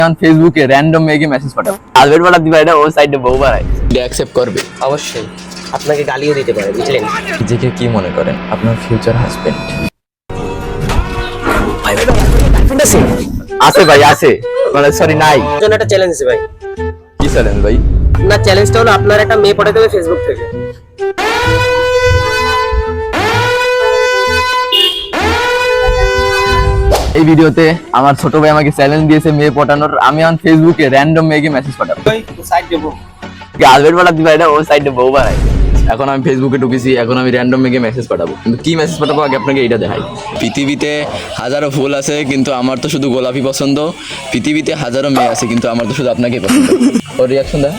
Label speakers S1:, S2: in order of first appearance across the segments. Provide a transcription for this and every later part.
S1: কারণ ফেসবুকে র্যান্ডম মেয়েকে মেসেজ পাঠাও, হাজবেন্ড পাঠাতে পারে না, ও সাইডে বউ বাড়ায়, অ্যাকসেপ্ট করবে?
S2: অবশ্যই আপনাকে গালিও দিতে পারে, বুঝলেন?
S1: নিজেকে কি মনে করেন আপনার ফিউচার হাজবেন্ড? আছে ভাই, আছে, মানে সরি নাই।
S2: জন্য একটা চ্যালেঞ্জ আছে ভাই।
S1: কি চ্যালেঞ্জ ভাই?
S2: না, চ্যালেঞ্জটা হলো আপনার একটা মেয়ে পাঠাতে হবে ফেসবুক থেকে।
S1: এই ভিডিওতে আমার ছোট ভাই আমাকে চ্যালেঞ্জ দিয়েছে মেয়ে পটানোর, আমি এখন ফেসবুকে র্যান্ডম মেয়েকে মেসেজ পাঠাবো। হাজবেন্ড পাঠাতে পারে না, ও সাইডে বউ বাড়ায়। এখন আমি ফেসবুকে ঢুকেছি, এখন আমি র্যান্ডম মেয়েকে মেসেজ পাঠাবো, কিন্তু কি মেসেজ পাঠাবো আগে আপনাকে এইটা দেখাই। পৃথিবীতে হাজারো ফুল আছে কিন্তু আমার তো শুধু গোলাপি পছন্দ, পৃথিবীতে হাজারো মেয়ে আছে কিন্তু আমার তো শুধু আপনাকেই পছন্দ। ওর রিয়াকশন দেখা।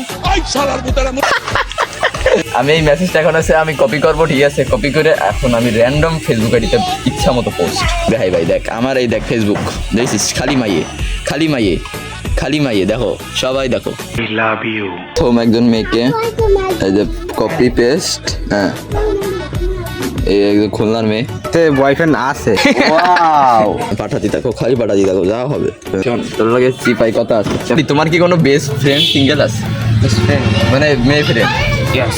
S1: আমি এই মেসেজটা এখন আছে আমি কপি করবো, ঠিক আছে? কপি করে এখন আমি র্যান্ডম ফেসবুক আইডিতে ইচ্ছা মতো পোস্ট দেখাই। ভাই দেখ, আমার এই দেখ ফেসবুক, দেখছিস? খালি মাইয়ে, খালি মাইয়ে, খালি মাইয়ে, দেখো সবাই দেখো। প্রথম একজন মেয়েকে এই যে কপি পেস্ট, হ্যাঁ এই একজন খুলনার মেয়ে,
S3: বয়ফ্রেন্ড আছে।
S1: ওয়াও, পাঠাতি দেখো, খালি পাঠাতি দেখো, যা হবে। তোর লাগে চিপাই কথা আছে। তোমার কি কোনো বেস্ট ফ্রেন্ড সিঙ্গেল আছে? মানে মেয়ে ফ্রেন্ড?
S3: ইয়েস,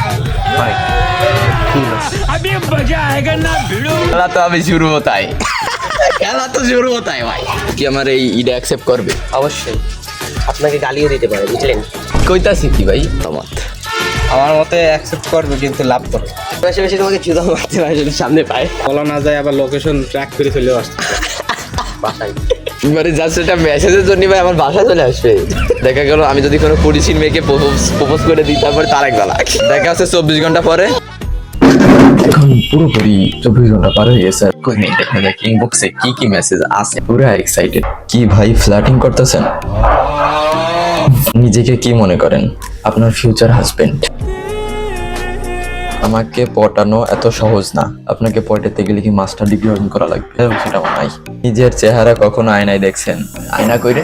S1: খেলা তো আমি শুরু হতাই, খেলা তো শুরু হতাই ভাই। কি আমার এই ইডা অ্যাকসেপ্ট করবে?
S2: অবশ্যই আপনাকে গালিও দিতে পারে, বুঝলেন?
S1: কইতাছি কি ভাই, তোমার
S3: আমার মতে অ্যাকসেপ্ট করবে কিন্তু লাভ করবে।
S2: বেশি বেশি তোমাকে চুদা মারতে পারে যদি সামনে পায়।
S3: বলা না যায়, আবার লোকেশন ট্র্যাক করে চলে আসছে
S2: বাসায়।
S1: মানে জাস্ট এটা মেসেজের জন্য ভাই আমার বাসায় চলে আসবে। দেখা গেল আমি যদি কোনো পরিচিত মেয়েকে প্রপোজ করে দিই, তারপরে তার এক বেলা দেখা আছে 24 ঘন্টা পরে। এখন পুরোপুরি 24 ঘন্টা পার হয়ে গেছে, কই নেই দেখা যাক ইনবক্সে কি কি মেসেজ আছে। পুরো এক্সাইটেড। কি ভাই ফ্লার্টিং করতেছেন? নিজেকে কি মনে করেন আপনার ফিউচার হাজবেন্ড? আমাকে পটানো এত সহজ না, আপনাকে পটাতে গেলে কি মাস্টার ডিগ্রি অর্জন করা লাগবে, সেটা নাই। নিজের চেহারা কখনো আয়নায় দেখছেন? আয়না কইরে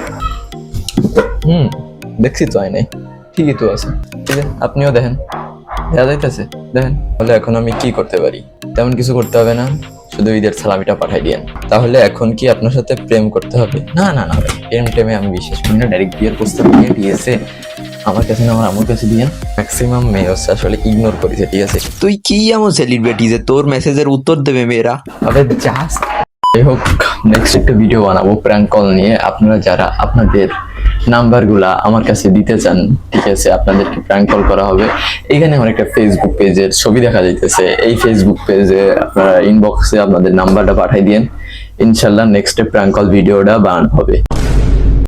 S1: দেখছি তো আয়নায়, ঠিকই তো আছে, ঠিক আছে আপনিও দেখেন, দেখা যাইতেছে, দেখেন। তাহলে এখন আমি কি করতে পারি? তেমন কিছু করতে হবে না, শুধু ঈদের সালামিটা পাঠাই দিয়েন। তাহলে এখন কি আপনার সাথে প্রেম করতে হবে? না না না ভাই, প্রেম টেমে আমি বিশ্বাস করি না। ডাইরেক্ট বিয়ের প্রস্তাব নিয়ে দিয়েছে আমার কাছে না, আমার আম্মুর কাছে দিয়েন। ম্যাক্সিমাম মেয়ে হচ্ছে আসলে ইগনোর করেছে, ঠিক আছে?
S4: তুই কি এমন সেলিব্রিটি যে তোর মেসেজের উত্তর দেবে মেয়েরা?
S1: তবে জাস্ট যাই হোক, নেক্সট একটা ভিডিও বানাবো প্র্যাঙ্ক কল নিয়ে। আপনারা যারা আপনাদের নাম্বারগুলা আমার কাছে দিতে চান, ঠিক আছে, আপনাদেরকে প্র্যাঙ্ক কল করা হবে। এখানে আমার একটা ফেসবুক পেজের ছবি দেখা যাইতেছে, এই ফেসবুক পেজে আপনারা ইনবক্সে আপনাদের নাম্বারটা পাঠাই দিয়েন, ইনশাল্লাহ নেক্সট প্র্যাঙ্ক কল ভিডিওটা বানানো হবে।